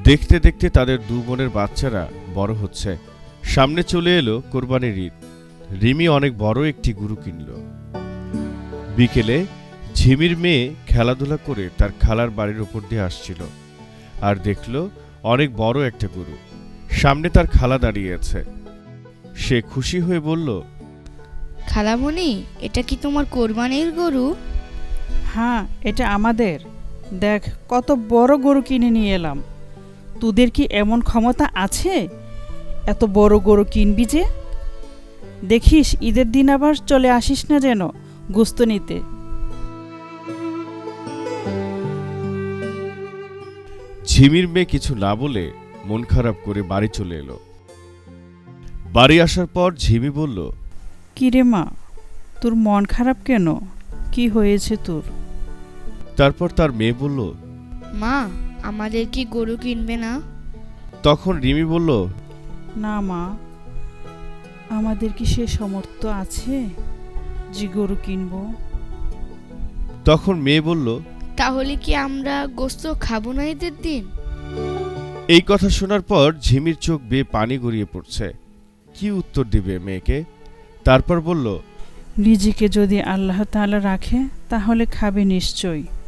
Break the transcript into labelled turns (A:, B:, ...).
A: দেখতে দেখতে তাদের দু বোনের বাচ্চারা বড় হচ্ছে। সামনে চলে এলো কোরবানির ঈদ। রিমি অনেক বড় একটি গরু কিনল। বিকেলে ঝিমির মেয়ে খেলাধুলা করে তার খালার বাড়ির ওপর দিয়ে আসছিল, আর দেখল অনেক বড় একটা গরু। সামনে তার খালা দাঁড়িয়ে আছে। সে খুশি হয়ে বলল,
B: খালামণি, এটা কি তোমার কোরবানির গরু?
C: হ্যাঁ, এটা আমাদের। দেখ কত বড় গরু কিনে নিয়ে এলাম। তোদের কি এমন ক্ষমতা আছে এত বড় গরু কিনবি যে? দেখিস ঈদের দিন আবার চলে আসিস না যেন গোস্ত নিতে।
A: ঝিমির মেয়ে কিছু না বলে মন খারাপ করে বাড়ি চলে এলো। বাড়ি আসার পর ঝিমি বলল,
C: কি রে মা, তোর মন খারাপ কেন? কি হয়েছে তোর?
A: তারপর তার মেয়ে বলল,
B: মা, আমাদের কি গরু কিনবে না?
A: তখন রিমি বলল,
C: না মা, আমাদের কি সে সামর্থ্য আছে যে গরু কিনবো?
A: তখন মেয়ে বলল,
B: তাহলে কি আমরা গোস্ত খাবো না ঈদের দিন?
A: এই কথা শোনার পর ঝিমির চোখ বেয়ে পানি গড়িয়ে পড়ছে। কি উত্তর দিবে মেয়েকে? তারপর বলল,
C: নিজেকে যদি আল্লাহ তাআলা রাখে তাহলে খাবে নিশ্চয়ই।